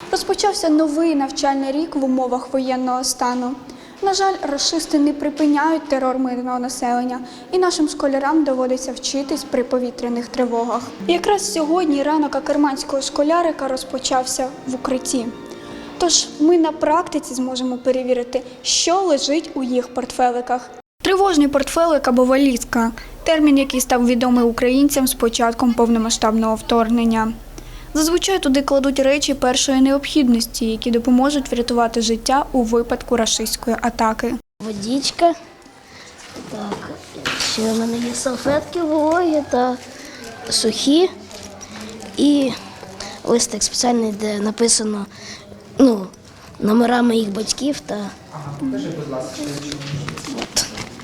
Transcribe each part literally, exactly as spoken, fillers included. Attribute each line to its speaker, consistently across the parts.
Speaker 1: Розпочався новий навчальний рік в умовах воєнного стану. На жаль, рашисти не припиняють терор мирного населення, і нашим школярам доводиться вчитись при повітряних тривогах. І якраз сьогодні ранок акерманського школярика розпочався в укритті. Тож ми на практиці зможемо перевірити, що лежить у їх портфеликах. Тривожний портфелик або валізка – термін, який став відомий українцям з початком повномасштабного вторгнення. Зазвичай туди кладуть речі першої необхідності, які допоможуть врятувати життя у випадку рашистської атаки.
Speaker 2: Водичка, так, ще в мене є салфетки вологі та сухі і листик спеціальний, де написано ну, номера моїх батьків та
Speaker 3: Ага, покажи, будь ласка.
Speaker 2: от.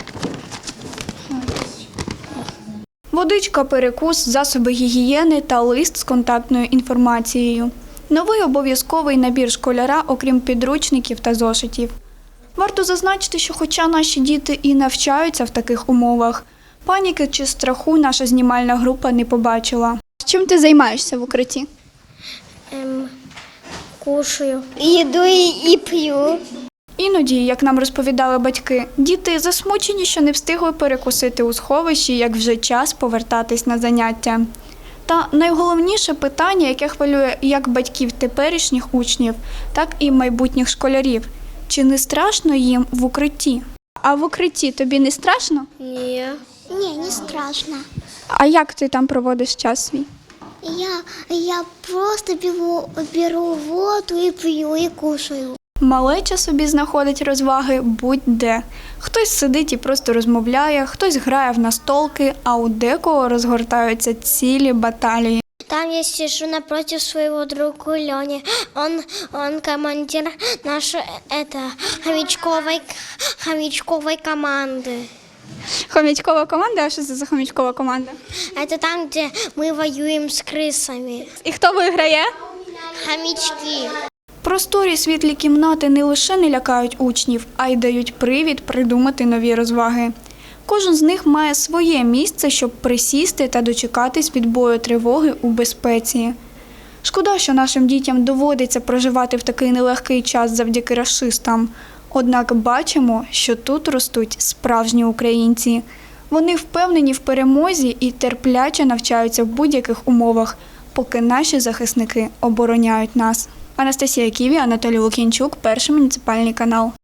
Speaker 1: Водичка, перекус, засоби гігієни та лист з контактною інформацією. Новий обов'язковий набір школяра, окрім підручників та зошитів. Варто зазначити, що хоча наші діти і навчаються в таких умовах, паніки чи страху наша знімальна група не побачила. Чим ти займаєшся в укритті?
Speaker 2: Ем, кушаю.
Speaker 4: Їду і п'ю.
Speaker 1: Іноді, як нам розповідали батьки, діти засмучені, що не встигли перекусити у сховищі, як вже час повертатись на заняття. Та найголовніше питання, яке хвилює як батьків теперішніх учнів, так і майбутніх школярів – чи не страшно їм в укритті? А в укритті тобі не страшно?
Speaker 2: Ні.
Speaker 4: Ні, не страшно.
Speaker 1: А як ти там проводиш час свій?
Speaker 4: Я, я просто беру, беру воду і п'ю, і кушаю.
Speaker 1: Малеча собі знаходить розваги будь-де. Хтось сидить і просто розмовляє, хтось грає в настолки, а у декого розгортаються цілі баталії.
Speaker 4: Там я сижу напротив своего друга Лёни. Он, он командир нашей это, хомячковой, хомячковой команды.
Speaker 1: Хомячкова команда? А що це за хомячкова команда?
Speaker 4: Это там, где мы воюем с крысами.
Speaker 1: І хто виграє?
Speaker 4: Хомячки.
Speaker 1: Просторі світлі кімнати не лише не лякають учнів, а й дають привід придумати нові розваги. Кожен з них має своє місце, щоб присісти та дочекатись відбою тривоги у безпеці. Шкода, що нашим дітям доводиться проживати в такий нелегкий час завдяки рашистам. Однак бачимо, що тут ростуть справжні українці. Вони впевнені в перемозі і терпляче навчаються в будь-яких умовах, поки наші захисники обороняють нас. Анастасія Ківі, Анатолій Лук'янчук, Перший муніципальний канал.